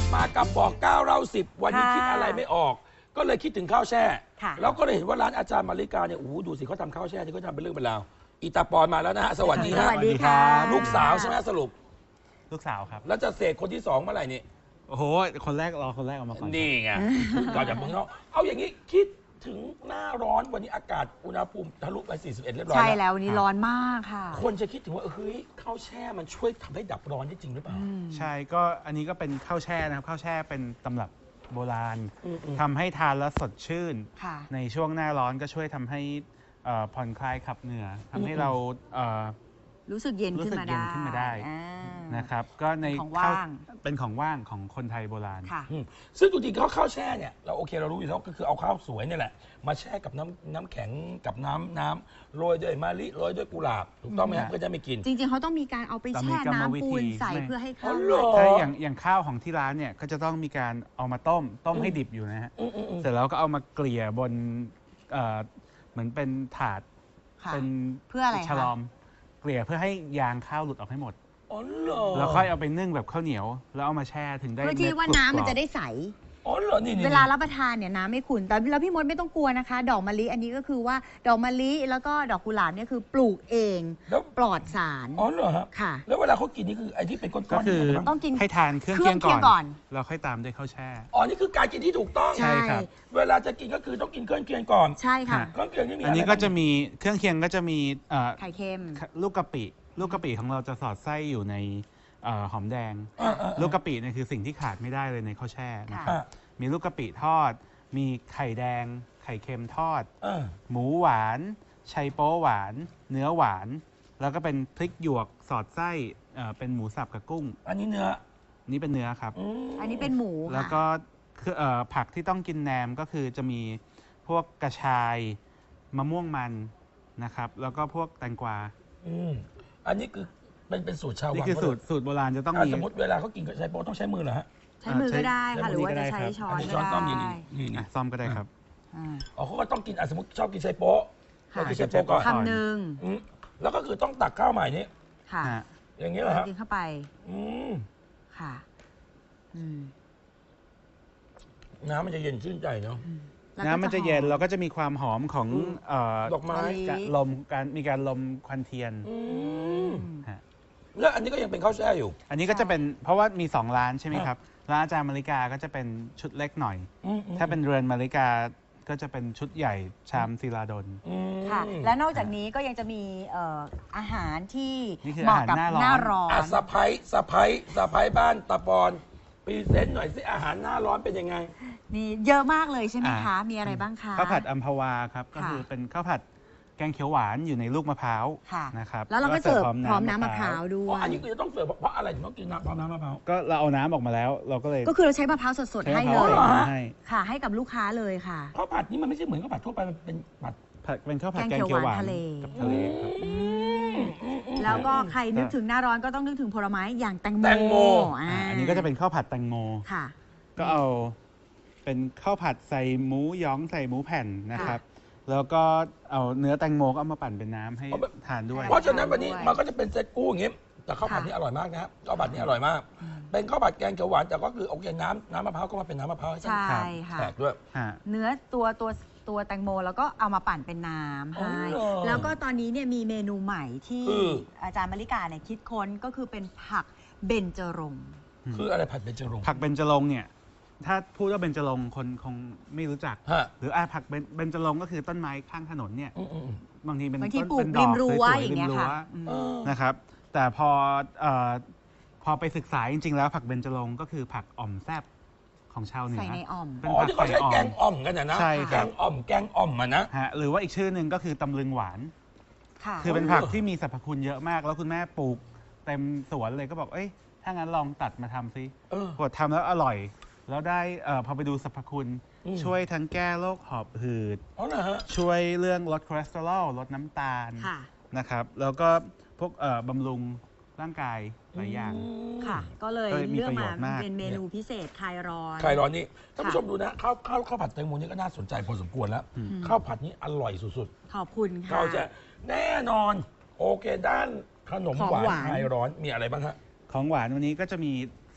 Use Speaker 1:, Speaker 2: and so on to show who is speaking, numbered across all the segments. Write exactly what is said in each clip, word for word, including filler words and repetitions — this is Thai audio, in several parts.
Speaker 1: มากับบอกเก้าเราสิบวันนี้คิดอะไรไม่ออกก็เลยคิดถึงข้าวแช่แล้วก็เลยเห็นว่าร้านอาจารย์มาริกาเนี่ยโอ้โหดูสิเขาทำข้าวแช่ที่เขาทำเป็นเรื่องเป็นราวอีตาปอนมาแล้วนะฮะสวัสดีฮะ
Speaker 2: สวัสดีค่ะ
Speaker 1: ลูกสาวใช่ไหมสรุป
Speaker 3: ลูกสาวครับ
Speaker 1: แล้วจะเสกคนที่สองเมื่อไหร่นี่
Speaker 3: โอ้โหคนแรกรอคนแรกออกมาก่อน
Speaker 1: นี่ไงก่อนจากเมืองนอกเอาอย่างนี้คิดถึงหน้าร้อนวันนี้อากาศอุณหภูมิทะลุไปสี่สิบเอ็ดเรียบร้อย
Speaker 2: ใช่แล้ววันนี้ร้อนมากค่ะ
Speaker 1: คนจะคิดถึงว่าเฮ้ยข้าวแช่มันช่วยทำให้ดับร้อนได้จริงหรือเปล่า
Speaker 3: ใช่ก็อันนี้ก็เป็นข้าวแช่นะครับข้าวแช่เป็นตำรับโบราณทำให้ทานแล้วสดชื่นในช่วงหน้าร้อนก็ช่วยทำให้ผ่อนคลายขับเหงื่อทำให้เรา
Speaker 2: รู้สึกเย็นขึ้นมาได้
Speaker 3: ขึ้นมาได้นะครับก็ในของว่างเป็นของว่างของคนไทยโบราณ
Speaker 1: ซึ่งจริงๆข้าวข้าวแช่เนี่ยเราโอเคเรารู้อยู่แล้วก็คือเอาข้าวสวยนี่แหละมาแช่กับน้ำน้ำแข็งกับน้ำน้ำโรยด้วยมะลิโรยด้วยกุหลาบถูกต้องไหมครับเพื่อจะไม่กิน
Speaker 2: จริงๆเขาต้องมีการเอาไปแช่น้ำปูนใส่เพื่อให้ข้าว
Speaker 3: ใช่อย่างอย่างข้าวของที่ร้านเนี่ยก็จะต้องมีการเอามาต้มต้มให้ดิบอยู่นะฮะเสร็จแล้วก็เอามาเกลี่ยบนเหมือนเป็นถาด
Speaker 2: เป็นเพื่ออะไร
Speaker 3: ฉลอมเกลี่ยเพื่อให้ยางข้าวหลุดออกให้หมด
Speaker 1: อ๋อเหรอ
Speaker 3: แล้วค่อยเอาไปนึ่งแบบข้าวเหนียวแล้วเอามาแช่ถึงได้
Speaker 2: เพื่อที่ว่าน้ำมันจะได้ใส
Speaker 1: อ๋อเหรอนี่
Speaker 2: เวลารับประทานเนี่ยน้ำไม่ขุ่นแต่แล้วพี่มดไม่ต้องกลัวนะคะดอกมะลิอันนี้ก็คือว่าดอกมะลิแล้วก็ดอกกุหลาบเนี่ยคือปลูกเองแล้วปลอดสาร
Speaker 1: อ๋อเหรอค่ะ
Speaker 2: แล้ว
Speaker 1: เวลาเขากินนี่คือไอ้ที่เป็นก้อนๆ
Speaker 3: ก็คือต้องกินให้ทานเครื่องเคียงก่อนแล้วค่อยตามด้วยข้าวแช่
Speaker 1: อ๋อนี่คือการกินที่ถูกต้อง
Speaker 3: ใช่ครับ
Speaker 1: เวลาจะกินก็คือต้องกินเครื่องเคียงก่อน
Speaker 2: ใช่ค่ะ
Speaker 1: เครื่องเคียงนี่มี
Speaker 3: อันนี้ก็จะมีเครื่องเคียงก็จะมี
Speaker 2: ไข่เค็ม
Speaker 3: ลูกกะปิลูกกะปิของเราจะสอดไส้อยู่ในหอมแดงลูกกะปิเนี่ยคือสิ่งที่ขาดไม่ได้เลยในข้าวแช่นะครับมีลูกกะปิทอดมีไข่แดงไข่เค็มทอดหมูหวานชัยโป๊หวานเนื้อหวานแล้วก็เป็นพริกหยวกสอดไส้เป็นหมูสับกับกุ้ง
Speaker 1: อันนี้เนื้อ
Speaker 3: นี่เป็นเนื้อครับ
Speaker 2: อันนี้เป็นหมู
Speaker 3: แล้วก็คือผักที่ต้องกินแหนมก็คือจะมีพวกกระชายมะม่วงมันนะครับแล้วก็พวกแตงกวา
Speaker 1: อันนี้คือเป็นเป็นสูตรชาววัง
Speaker 3: นี่คือสูตรสูตรโบราณจะต้องมี
Speaker 1: สมมติเวลาเขากินกับใช้โป๊ต้องใช้มือเหรอฮะ
Speaker 2: ใช้มือก็ได้ค่ะหรือว่าจะใช้ช้อนก็ได้
Speaker 3: นี่นี่ซ่อมก็ได้ครับ
Speaker 1: อ๋อเขาก็ต้องกินสมมติชอบกินใช้โป๊ก็กินใช้โป๊ก่อน
Speaker 2: คำหนึ่ง
Speaker 1: แล้วก็คือต้องตักข้าวใหม่นี้
Speaker 2: ค่ะ
Speaker 1: อย่างนี้เหรอฮะ
Speaker 2: กินเข้าไป
Speaker 1: อืม
Speaker 2: ค่ะ
Speaker 1: น้ำมันจะเย็นชื่นใจเนาะ
Speaker 3: น้ำมันจะเย็นเราก็จะมีความหอมของ
Speaker 1: ดอกไม้
Speaker 3: ลมการมีการลมควันเทียน
Speaker 1: แล้วอันนี้ก็ยังเป็นข้าวแช่อยู่
Speaker 3: อันนี้ก็จะเป็นเพราะว่ามีสองร้านใช่ไหมครับร้านอาจารย์มาริกาก็จะเป็นชุดเล็กหน่อยถ้าเป็นเรือนมาริกาก็จะเป็นชุดใหญ่ชามศิลาดล
Speaker 2: ค่ะและนอกจากนี้ก็ยังจะมีอาหารที่เหมาะกับหน้าร้อน
Speaker 1: สะพ้ายสะพ้ายสะพ้ายบ้านตะปอนพรีเซนต์หน่อยสิอาหารหน้าร้อนเป็นยังไง
Speaker 2: นี่เยอะมากเลยใช่ไหมคะมีอะไรบ้างคะ
Speaker 3: ข้าวผัดอัมพวาครับก็คือเป็นข้าวผัดแกงเขียวหวานอยู่ในลูกมะพร้าวนะครับ
Speaker 2: แล้วเราก็เสิร์ฟพร้อมน้ำมะพร้าวด้วย
Speaker 1: อันนี้คือจะต้องเสิร์ฟเพราะอะไรถึงต้องกินน้ำพร้อมน้ำมะพร้าว
Speaker 3: ก็เราเอาน้ำออกมาแล้วเราก็เลย
Speaker 2: ก็คือเราใช้มะพร้าวสดๆให้เลยค่ะให้กับลูกค้าเลยค่ะ
Speaker 1: ข้าวผัดนี่มันไม่ใช่เหมือนข้าวผัดทั่วไปมันเป็นผัด
Speaker 3: เป็นข้าวผัดแกงเขียวหวาน
Speaker 2: ทะเล
Speaker 3: กับทะเล
Speaker 2: แล้วก็ใครนึกถึงหน้าร้อนก็ต้องนึกถึงผลไม้อย่างแตงโม
Speaker 1: แตงโม
Speaker 3: อันนี้ก็จะเป็นข้าวผัดแตงโม
Speaker 2: ค่ะ
Speaker 3: ก็เอาเป็นข้าวผัดใส่หมูย้องใส่หมูแผ่นนะครับแล้วก็เอาเนื้อแตงโมก็เอามาปั่นเป็นน้ำให้ทานด้วย
Speaker 1: เพราะฉะนั้นวันนี้มันก็จะเป็นเซตกู้อย่างงี้แต่ข้าวผัดนี้อร่อยมากนะข้าวผัดนี้อร่อยมากเป็นข้าวผัดแกงเขียวหวานแต่ก็คือโอเคน้ำน้ำมะพร้าวก็มาเป็นน้ำมะพร้าว
Speaker 2: ใช่ค่ะ
Speaker 1: แตกด้วย
Speaker 2: เนื้อตัวตัวตัวแตงโมแล้วก็เอามาปั่นเป็นน้ำให้แล้วก็ตอนนี้เนี่ยมีเมนูใหม่ที่อาจารย์มาริกาเนี่ยคิดค้นก็คือเป็นผักเบญจรงค์
Speaker 1: คืออะไรผัดเบญจรงค์
Speaker 3: ผักเบญจรงค์เนี่ยถ้าพูดว่าเบญจรงค์คนคงไม่รู้จักหรืออาผักเบญจรงค์ก็คือต้นไม้ข้างถนนเนี่ยบางทีเป็นต้นเป็นดอกสวยๆริมรั้วนะครับแต่พอพอไปศึกษาจริงๆแล้วผักเบญจรงค์ก็คือผักอ่อมแซ่บของชาวเหนือ
Speaker 2: ใส่ในอ่อม
Speaker 1: เป็นผักไก่อ่อมแกงอ่อมกันนะ
Speaker 3: ใช่
Speaker 1: แกงอ่อมแกงอ่อมมานะ
Speaker 3: ฮะหรือว่าอีกชื่อหนึ่งก็คือตำลึงหวานคือเป็นผักที่มีสรรพคุณเยอะมากแล้วคุณแม่ปลูกเต็มสวนเลยก็บอกเอ้ยถ้างั้นลองตัดมาทำซิกดทำแล้วอร่อยแล้วได้พอไปดูสรรพคุณช่วยทั้งแก้โรคหอบหืดช่วยเรื่องลดคอเลสเตอรอลลดน้ำตาลนะครับแล้วก็พวกบำรุงร่างกายหลายอย่าง
Speaker 2: ค่ะก็เลยเลือกมาเป็นเมนูพิเศษคลายร้อน
Speaker 1: คลายร้อนนี่ท่านผู้ชมดูนะข้าวข้าวข้าวผัดแตงโมนี่ก็น่าสนใจพอสมควรแล้วข้าวผัดนี้อร่อยสุด
Speaker 2: ๆขอบคุณค่ะ
Speaker 1: เราจะแน่นอนโอเคด้านขนมหวานคลายร้อนมีอะไรบ้างฮะ
Speaker 3: ของหวานวันนี้ก็จะมีส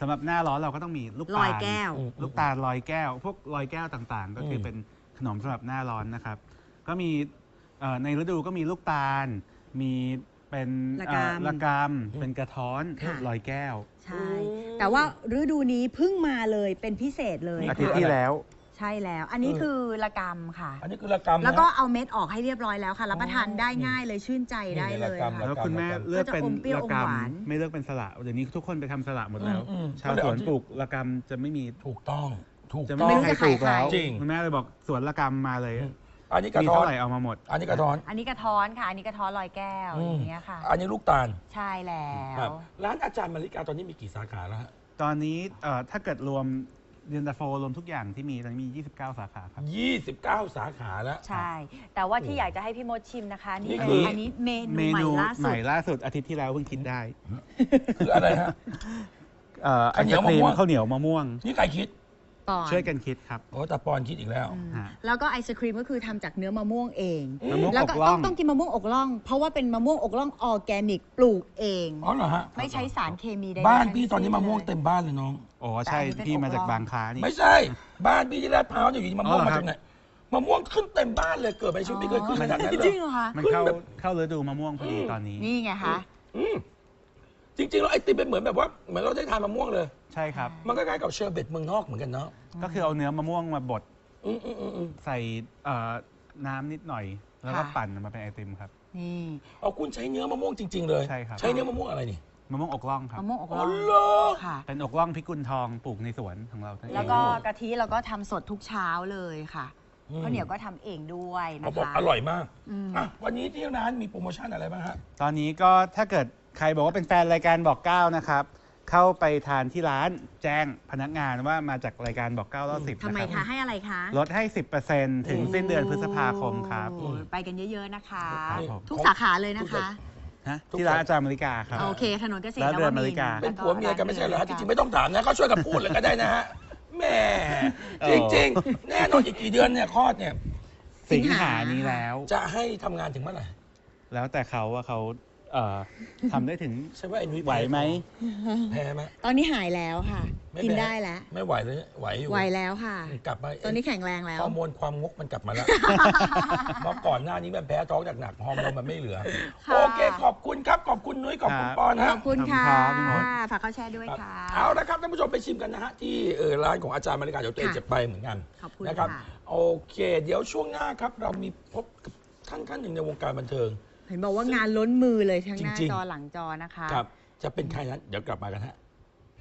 Speaker 3: สำหรับหน้าร้อนเราก็ต้องมีลูก
Speaker 2: ล
Speaker 3: ตา
Speaker 2: อย
Speaker 3: ล
Speaker 2: แก้ว
Speaker 3: ลูกตาลลอยแก้ว พวกลอยแก้วต่างๆ ก็คือเป็นขนมสำหรับหน้าร้อนนะครับ ก็มีเอ่อในฤดูก็มีลูกตาล มีเป็น
Speaker 2: ระ
Speaker 3: เอ่
Speaker 2: ก
Speaker 3: อระกำเป็นกระท้อน
Speaker 2: ค่ะ
Speaker 3: ลอยแก้ว
Speaker 2: ใช่ แต่ว่าฤดูนี้เพิ่งมาเลยเป็นพิเศษเลย
Speaker 3: อาทิตย์ที่แล้ว
Speaker 2: ใช่แล้ว อันนี้คือระกำค่ะ
Speaker 1: อันนี้คือระกำนะ
Speaker 2: แล้วก็เอาเม็ดออกให้เรียบร้อยแล้วค่ะรับประทานได้ง่ายเลยชื่นใจได้เลย
Speaker 1: นี่ไงระกำ
Speaker 2: ค่ะ
Speaker 3: แล้วคุณแม่เลือกเป็น
Speaker 2: ก็จะอมเปรี้ยว
Speaker 3: ระ
Speaker 2: อมหวาน
Speaker 3: กำไม่เลือกเป็นสละเดี๋ยวนี้ทุกคนไปทำสละหมดแล้ว
Speaker 1: อืมอืม
Speaker 3: ชาวสวนปลูกระกำจะไม่มี
Speaker 1: ถูกต้องถูก
Speaker 3: จะ
Speaker 1: ต้
Speaker 3: ไม่
Speaker 1: อง
Speaker 3: มีใครปลูกแล้ว
Speaker 1: จริง
Speaker 3: คุณแม่เลยบอกสวนระกำมาเลย
Speaker 1: อันนี้กระ
Speaker 3: มี
Speaker 1: ท้อ
Speaker 3: เท่าน ไหร่เอามาหมด
Speaker 1: อันนี้กระท้อน
Speaker 2: อันนี้กระท้อนค่ะ อันนี้กระท้อนลอยแก้วอย่างเงี้ยค่ะ
Speaker 1: อันนี้ลูกตาล
Speaker 2: ใช่แล้
Speaker 1: ครับ
Speaker 2: ว
Speaker 1: ร้านอาจารย์มาริกาตอนนี้มีกี่สาขาแล้วฮะ
Speaker 3: ตอนนี้เอ่อถ้าเกิดรวมเย็นตาโฟรวมทุกอย่างที่มีตอนนี้มี ยี่สิบเก้า สาขาครับ
Speaker 1: ยี่สิบเก้าสาขาแล้ว
Speaker 2: ใช่ แต่ว่าที่อยากจะให้พี่มดชิมนะคะ
Speaker 1: นี่
Speaker 2: นี่
Speaker 1: คื
Speaker 2: คือ ออันนี้เม
Speaker 3: เม
Speaker 2: นูใหม่
Speaker 3: นู
Speaker 2: ล่า
Speaker 3: ให
Speaker 2: สุ
Speaker 3: ม่
Speaker 2: ด
Speaker 3: ล่าสุดอาทิตย์ที่แล้วเพิ่งคิดได้
Speaker 1: คืออะไรฮะ
Speaker 3: เอ่อไอ
Speaker 1: ข้าวเหนียว
Speaker 3: ศครีม
Speaker 1: มะม่วง
Speaker 3: ข้าวเหนียวมะม่วง
Speaker 1: นี่ใครคิด
Speaker 2: ปอน
Speaker 3: ช่วยกันคิดครับ
Speaker 1: โอ้แต่ปอนคิดอีกแล้ว
Speaker 2: อืม
Speaker 3: ฮะ
Speaker 2: แล้วก็ไอศครีมก็คือทำจากเนื้อมะม่วงเอง
Speaker 3: มะม่วง
Speaker 2: แล้ว
Speaker 3: อก
Speaker 2: ก็
Speaker 3: ล่
Speaker 2: ต้
Speaker 3: อ
Speaker 2: อง
Speaker 3: ง
Speaker 2: ต้องกินมะม่วงอกล่อง เพราะว่าเป็นมะม่วงอกล่องออร์แกนิกปลูกเอง
Speaker 1: อ๋อเหรอฮะ
Speaker 2: ไม่ใช้สารเคมีใดๆ
Speaker 1: บ้านพี่
Speaker 2: ทั้
Speaker 1: ตอนนี้มะม่วง
Speaker 2: สิ้ลย
Speaker 1: เต็มบ้านเลยน้อง
Speaker 3: โอ้ใช่
Speaker 2: แต่อันนี้เป็น
Speaker 3: พี่มาจาก
Speaker 2: อกล่อง
Speaker 3: บางคล้านี่
Speaker 1: ไม่ใช่ บ้านพี่ที่ลาดพร้าวเนี่ยอยู่ดีมะม่วง
Speaker 3: อ๋อเหรอ
Speaker 1: มา
Speaker 3: ครับ
Speaker 1: จากไหนมะม่วงขึ้นเต็มบ้านเลยเกิดไปในชีวิตไม่เคยขึ้นขนาดนั้นเล
Speaker 2: จริ
Speaker 1: ย
Speaker 2: งเหรอคะ
Speaker 3: มันเข้าเข้าฤดูมะม่วงพอดีตอนนี้
Speaker 2: นี่ไงคะ
Speaker 1: อืมจริงๆแล้วไอติมเป็นเหมือนแบบว่าเหมือนเราได้ทานมะม่วงเลย
Speaker 3: ใช่ครับ
Speaker 1: มันก็คล้ายกับเชอร์เบตเมืองนอกเหมือนกันเนาะ
Speaker 3: ก็คือเอาเนื้อมะม่วงมาบด
Speaker 1: อืมอืมอืมอืม
Speaker 3: ใส่เอ่อน้ำนิดหน่อย แล้วก็
Speaker 2: ค่ะ
Speaker 3: ปั่นมาเป็นไอติมครับ
Speaker 2: นี่
Speaker 1: เอาคุณใช้เนื้อมะม่วงจริง ๆ เลย
Speaker 3: ใช่ครับ
Speaker 1: ใช้เนื้อมะม่วงอะไรนี่
Speaker 3: มะม่วงอกล่องครับ
Speaker 2: มะม่วงอก
Speaker 1: อ๋
Speaker 2: ล่
Speaker 1: อ
Speaker 2: อง
Speaker 1: เหรอ
Speaker 2: ค่ะ
Speaker 3: เป็นอกล่องพิกุลทองปลูกในสวนของเราทั้งเอง
Speaker 2: แล้วก็กะทิเราก็ทำสดทุกเช้าเลยค่ะ
Speaker 1: อืม
Speaker 2: ข้าวเหนียวก็ทำเองด้วย
Speaker 1: เขา
Speaker 2: นะ
Speaker 1: บอก
Speaker 2: คะ
Speaker 1: อร่อยมาก
Speaker 2: อืม
Speaker 1: อ่ะวันนี้ที่ร้านมีโปรโมชั่นอะไรบ้างฮะ
Speaker 3: ตอนนี้ก็ถ้าเกิดใครบอกว่าเป็นแฟนรายการบอกเก้านะครับ เข้าไปทานที่ร้านแจ้งพนักงานว่ามาจากรายการบอกเก้ารอบสิบ
Speaker 2: ทำไม
Speaker 3: นะค
Speaker 2: คะ
Speaker 3: รับ
Speaker 2: ให้อะไรคะ
Speaker 3: ลดให้ สิบเปอร์เซ็นต์ ถึงสิ้นเดือนพฤษภาคมครับ
Speaker 2: โอ้ไปกันเยอะๆนะคะ
Speaker 3: ครับผม
Speaker 2: ทุกสาขาเลยนะคะ
Speaker 3: ฮะที่ร้านอาจารย์มริกาครับ
Speaker 2: โอเคถนนเกษตร
Speaker 3: ร้านเรือน
Speaker 2: ว
Speaker 3: มาริกา
Speaker 2: ท
Speaker 1: เป็นผัวเมียกันไม่ใช่เหรอฮะจริงๆไม่ต้องถามนะเขาช่วยกันพูดเลยก็ได้นะฮะแหม่
Speaker 3: เอ
Speaker 1: จ
Speaker 3: อ
Speaker 1: ริงๆ แน่นอนอีกกี่เดือนเนี่ยคลอดเนี่ย
Speaker 3: สิงหานี้แล้ว
Speaker 1: จะให้ทำงานถึงเมื่อไหร่
Speaker 3: แล้วแต่เขาว่าเขาเอ่อทำได้ถึง
Speaker 1: ใช่ว่าไอ้นุ้ย
Speaker 3: ไหวไหม
Speaker 1: แพ้ไหม
Speaker 2: ตอนนี้หายแล้วค่ะ
Speaker 1: ไม่
Speaker 2: กิน
Speaker 1: แพ้
Speaker 2: ได้แล้ว
Speaker 1: ไม่ไหวเลยไหวอยู่
Speaker 2: ไหวแล้วค่ะ
Speaker 1: กลับมา
Speaker 2: ตอนนี้แข็งแรงแล้ว
Speaker 1: ฮอร์โมนความงกมันกลับมาแล้ว เมื่อก่อนหน้านี้มันแพ้ท้องหนักๆฮอร์โมนมันไม่เหลือ
Speaker 2: ค่ะ
Speaker 1: โอเคขอบคุณครับขอบคุณนุ้ยขอบคุณ
Speaker 3: ครับ
Speaker 1: ปอน
Speaker 2: ข
Speaker 1: ฮะ
Speaker 2: อบคุณค่ะ
Speaker 3: ขอบคุณครับพี่มด
Speaker 2: ฝากข้าวแช่ด้วยค่ะ
Speaker 1: เอาละครับท่านผู้ชมไปชิมกันนะฮะที่เอ่อร้านของอาจารย์มาริกาเดี๋ยวตัวเอง
Speaker 2: ค่ะ
Speaker 1: จะไปเหมือนกัน
Speaker 2: ขอบคุณ
Speaker 1: นะครับ
Speaker 2: ค่ะ
Speaker 1: โอเค เดี๋ยวช่วงหน้าครับ เรามีพบกับท่านท่านหนึ่งในวงการบันเทิง
Speaker 2: เห็นบอกว่างานล้นมือเลยทั้งหน้า
Speaker 1: จริงๆ
Speaker 2: จอหลังจอนะคะ
Speaker 1: ครับ จะเป็นใครนั้นเดี๋ยวกลับมากันฮะ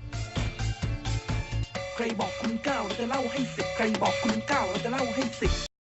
Speaker 4: ใครบอกคุณเก้าเราจะเล่าให้สิบใครบอกคุณเก้าเราจะเล่าให้สิบ